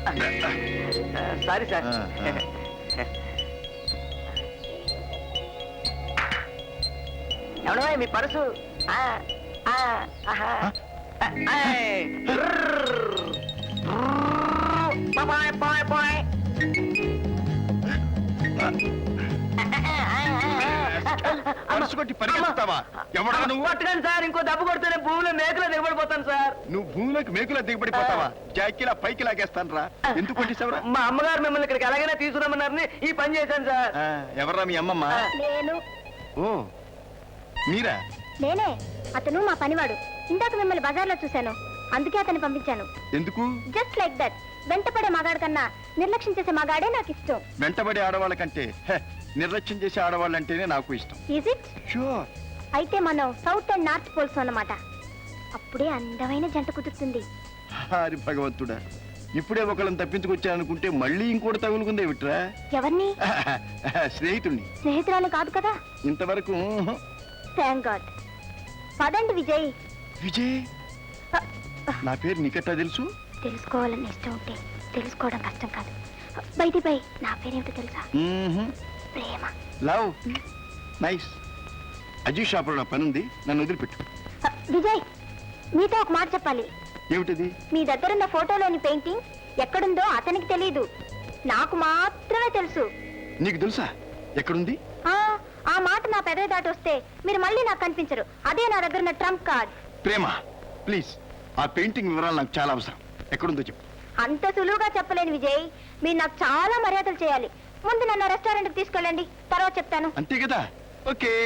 Sorry sir. ఎవడో మీ purse. Purse కొట్టి పరిగెత్తుతావా? ఎవడా నువ్వు? పట్టుకోండి సార్, ఇంకో దెబ్బ కొడితేనే భూమిలో మేకలో దిగబడిపోతాను సార్. నువ్వు భూమిలోకి మేకులా దిగబడిపోతావా? జాకిలా పైకి లాగేస్తాను రా. ఎందుకు కొట్టేశావురా? మా అమ్మగారు మిమ్మల్ని ఇక్కడికి ఎలాగైనా తీసుకురామన్నారని ఈ పని చేశాను సార్. ఎవర్రా మీ అమ్మమ్మ? నేను. ఓ మీరా? నేనే. అతను మా పనివాడు. ఇందాక మిమ్మల్ని బజార్లో చూశాను, అందుకే అతన్ని పంపించాను. ఎందుకు? Just like that. వెంటపడే మగాడు కన్నా నిర్లక్ష్యం చేసే మగాడే నాకు ఇష్టం. వెంటబడే ఆడవాళ్ళ కంటే నిర్లక్ష్యం చేసే ఆడవాళ్ళంటేనే నాకు ఇష్టం. Is it? షూర్. అయితే మనం సౌత్ అండ్ నార్త్ పోల్స్ అన్నమాట. అప్పుడే అందమైన జంట కుదురుతుంది. హరి భగవంతుడా, ఇప్పుడే ఒకళ్ళని తప్పించుకొచ్చాననుకుంటే మళ్ళీ ఇంకోటి తగులుకుందే విట్రా. ఎవరిని? స్నేహితుణ్ణి. స్నేహితురాలు కాదు కదా? ఇంతవరకు. Thank god. పదండి విజయ్. విజయ్? నా పేరు నీకెట్టా తెలుసు? తెలుసుకోవాలని ఇష్టం ఉంటే తెలుసుకోవడం కష్టం కాదు. బయటి బై, నా పేరేమిటో తెలుసా? ప్రేమ. లవ్. నైస్. అజీ షాపులో నా పని ఉంది, నన్ను వదిలిపెట్టు. విజయ్, మీతో ఒక మాట చెప్పాలి. ఏమిటది? మీ దగ్గరున్న ఫోటోలోని పెయింటింగ్ ఎక్కడుందో అతనికి తెలియదు, నాకు మాత్రమే తెలుసు. నీకు తెలుసా? ఎక్కడుంది? ఆ మాట నా పెదవి దాటి వస్తే మీరు మళ్ళీ నాకు కనిపించరు. అదే నా దగ్గర ఉన్న ట్రంప్ కార్డ్. ప్రేమ, ప్లీజ్ ఆ పెయింటింగ్ వివరాలు నాకు చాలా అవసరం. ఎక్కడుందో చెప్పు. అంత సులువుగా చెప్పలేను విజయ్, మీరు నాకు చాలా మర్యాదలు చేయాలి. ముందు నన్ను రెస్టారెంట్కి తీసుకెళ్ళండి, తర్వాత చెప్తాను. అంతే కదా? ఓకే.